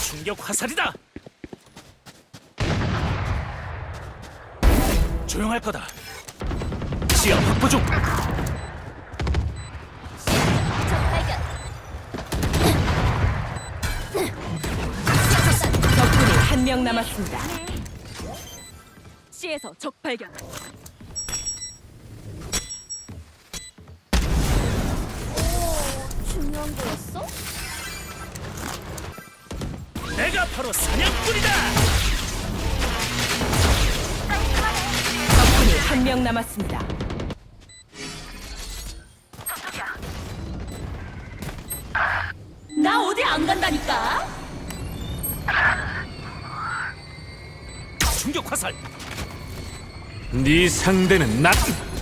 충격 화살이다. 조용할 거다. 시야 확보 중. 적발견. 적군이 한 명 남았습니다. C에서 적발견. 오, 중요한 거였어? 내가 바로 사냥꾼이다. 적군이 한 명 남았습니다. 나 어디 안 간다니까. 충격 화살. 네 상대는 나.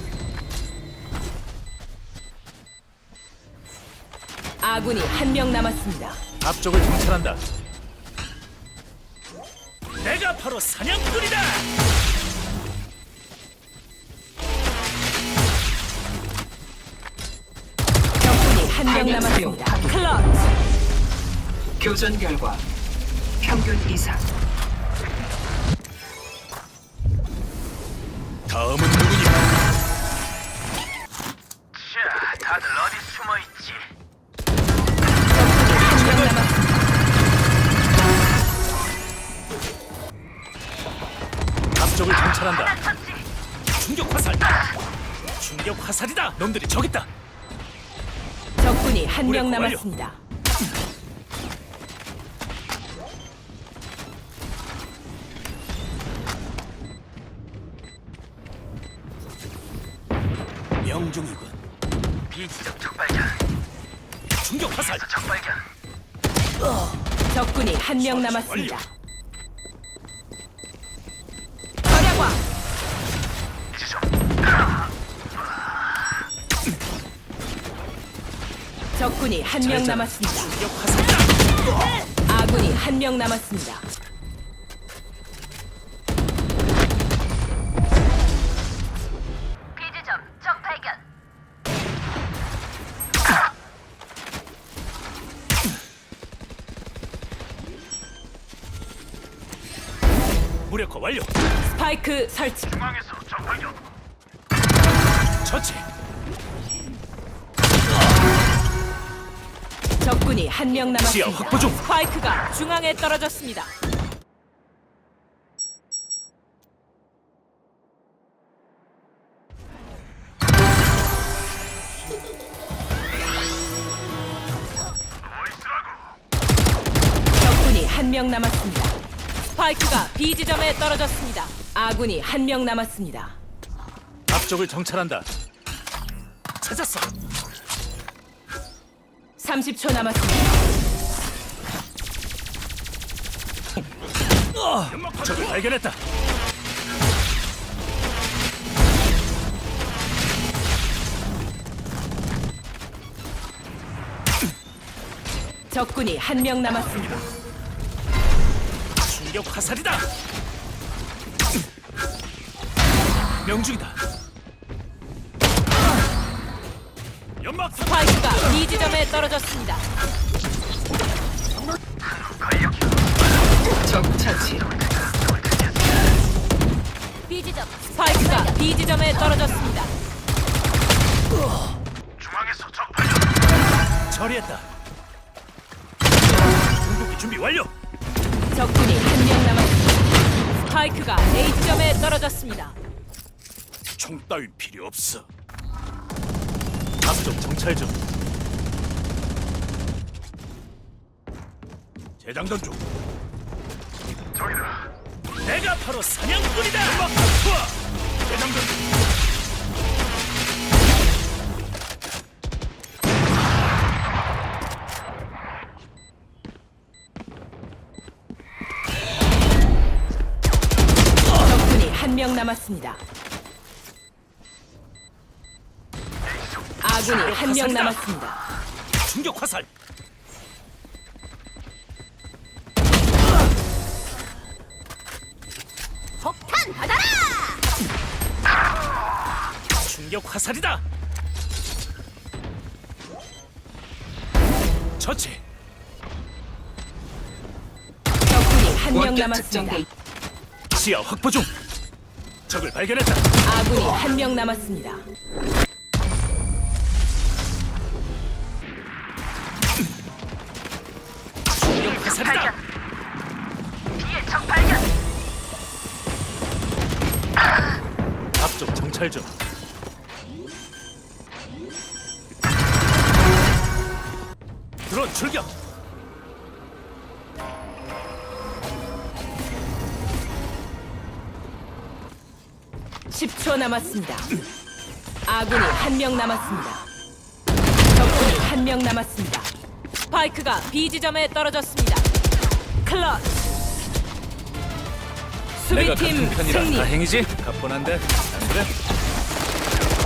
아군이 한 명 남았습니다. 앞쪽을 정찰한다. 내가 바로 사냥꾼이다. 적군이 한 명 남았습니다. 클러치. 교전 결과 평균 이상. 다음은 누구니? 자, 다들 어디 숨어 있지? 한 명 남았습니다. 앞쪽을 정찰한다. 충격 화살. 충격 화살이다. 놈들이 저기 있다. 적군이 한 명 완료. 남았습니다. 명중이군. 비지적 적발견. 충격 화살. 적발견. 적군이 한 명 남았습니다. 완료. 절약왕. 적군이 한 명 잘했잖아. 남았습니다. 충격 화살이다. 아군이 한 명 남았습니다. 비지점 적발견. 무력화 완료. 스파이크 설치. 중앙에서 적발견. 처치. 적군이 한 명 시야 남았습니다. 확보 중. 스파이크가 중앙에 떨어졌습니다. 적군이 한 명 남았습니다. 스파이크가 B 지점에 떨어졌습니다. 아군이 한 명 남았습니다. 앞쪽을 정찰한다. 찾았어. 30초 남았습니다. 적을 발견했다. 적군이 한 명 남았습니다. 충격 화살이다. 명중이다. 연막 스파이크가 B 지점에 떨어졌습니다. 적 차치. 비지점 스파이크가 B 지점에 떨어졌습니다. 중앙에서 적 발견. 처리했다. 궁극기 준비 완료. 적군이 한 명 남았습니다. 스파이크가 A 지점에 떨어졌습니다. 총 따윈 필요 없어. 앞쪽 정찰 중. 재장전 중. 저기다. 내가 바로 사냥꾼이다. 음악 투하. 재장전 중. 적군이 한 명 남았습니다. 아군이 한 명 남았습니다. 충격 화살. 폭탄 받아라. 충격 화살이다. 처치. 한 명 원격 남았습니다. 특정대 시야 확보 중. 적을 발견했다. 아군이 한 명 남았습니다. 중력 화살이다. 앞쪽 정찰 중. 드론 출격. 십 초 남았습니다. 아군이 한 명 남았습니다. 적군이 한 명 남았습니다. 스파이크가 B 지점에 떨어졌습니다. 클럿. 내가 수비팀 같은 편이라 승리. 다행이지. 가뿐한데 안 그래?